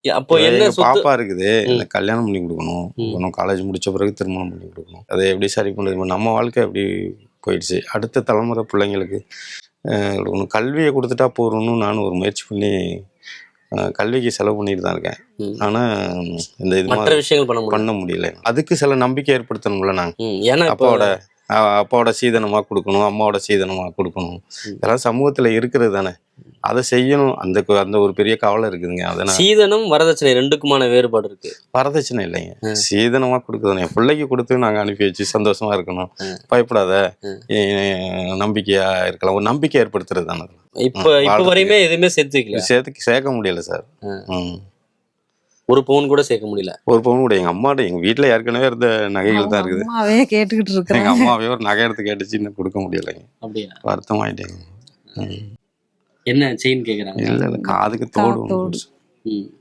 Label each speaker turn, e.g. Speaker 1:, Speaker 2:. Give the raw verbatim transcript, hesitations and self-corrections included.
Speaker 1: அப்போ
Speaker 2: இவ
Speaker 1: என்ன
Speaker 2: எங்க
Speaker 1: சொத்து
Speaker 2: பாப்பா இருக்குது.
Speaker 1: ம்.
Speaker 2: இந்த கல்யாணம் பண்ணி குடுக்கணும்.
Speaker 1: ம்.
Speaker 2: இன்னும் காலேஜ் முடிச்ச பிறகு திருமணம் பண்ணி குடுக்கணும். அதை எப்படி சரி பண்ணுறது? நம்ம வாழ்க்கை எப்படி போயிடுச்சு. அடுத்த தலைமுறை பிள்ளைங்களுக்கு அ குடுக்கணும். கல்விய குடுத்துட்டா போதும்னு நானும் ஒரு முயற்சி பண்ணி அ கல்விக்கு செலவு பண்ணிட்டு தான் இருக்கேன்.
Speaker 1: ம்.
Speaker 2: ஆனா இந்த இது
Speaker 1: மற்ற
Speaker 2: மாதிரி
Speaker 1: விஷயங்கள் பண்ண முடியல.
Speaker 2: பண்ண முடியல. அதுக்கு சில நம்பிக்கை ஏற்படுத்தணும்ல நாங்க.
Speaker 1: ம். ஏன்னா இப்போ
Speaker 2: அப்பாவோட அ அப்பாவோட சீதனமா குடுக்கணும். அம்மாவோட சீதனமா குடுக்கணும்.
Speaker 1: ம்.
Speaker 2: இதெல்லாம் சமூகத்துல இருக்கிறது தானே. அத செய்யணும். அந்த கு அந்த ஒரு பெரிய கவலை இருக்குதுங்க. அத நான்
Speaker 1: சீதனம், வரதட்சணை ரெண்டுக்குமான வேறுபாடு இருக்கு.
Speaker 2: வரதட்சணை இல்லைங்க.
Speaker 1: ம்.
Speaker 2: சீதனமா குடுக்குறது. என் பிள்ளைக்கு குடுத்து நாங்க அனுப்பி வச்சு சந்தோஷமா இருக்கணும்.
Speaker 1: ம்.
Speaker 2: பயப்படாத.
Speaker 1: ம்.
Speaker 2: எ நம்பிக்கையா இருக்கலாம். ஒரு நம்பிக்கை ஏற்படுத்துறது தானே.
Speaker 1: இப்ப
Speaker 2: ம்.
Speaker 1: இப்ப
Speaker 2: வாழ்றதுக்கு.
Speaker 1: வரையுமே எதுவுமே சேர்த்து வைக்கல.
Speaker 2: சேர்த்து சேர்க்க முடியல சார்.
Speaker 1: ம்.
Speaker 2: ம்.
Speaker 1: ஒரு பவுன் கூட சேர்க்க முடியல.
Speaker 2: ஒரு பவுன் கூட எங்க அம்மாட்ட எங்க வீட்ல ஏற்கனவே இருந்த நகைகள்
Speaker 3: அவங்க
Speaker 2: தான் இருக்குது.
Speaker 3: அம்மாவே கேட்டுக்கிட்டு
Speaker 2: எங்க
Speaker 3: இருக்கிறாங்க.
Speaker 2: அம்மாவே ஒரு நகை எடுத்து கேட்டுச்சு இன்னும் குடுக்க முடியலைங்க.
Speaker 1: அப்படியா?
Speaker 2: வருத்தமாயிட்டேங்க. ம்.
Speaker 1: என்ன செயின் கேக்குறாங்க?
Speaker 2: இல்ல இல்ல காதுக்கு
Speaker 3: கா-
Speaker 2: தோடு ஒண்ணு
Speaker 3: தோடு.
Speaker 2: போட்டுச்சு.
Speaker 1: ம்.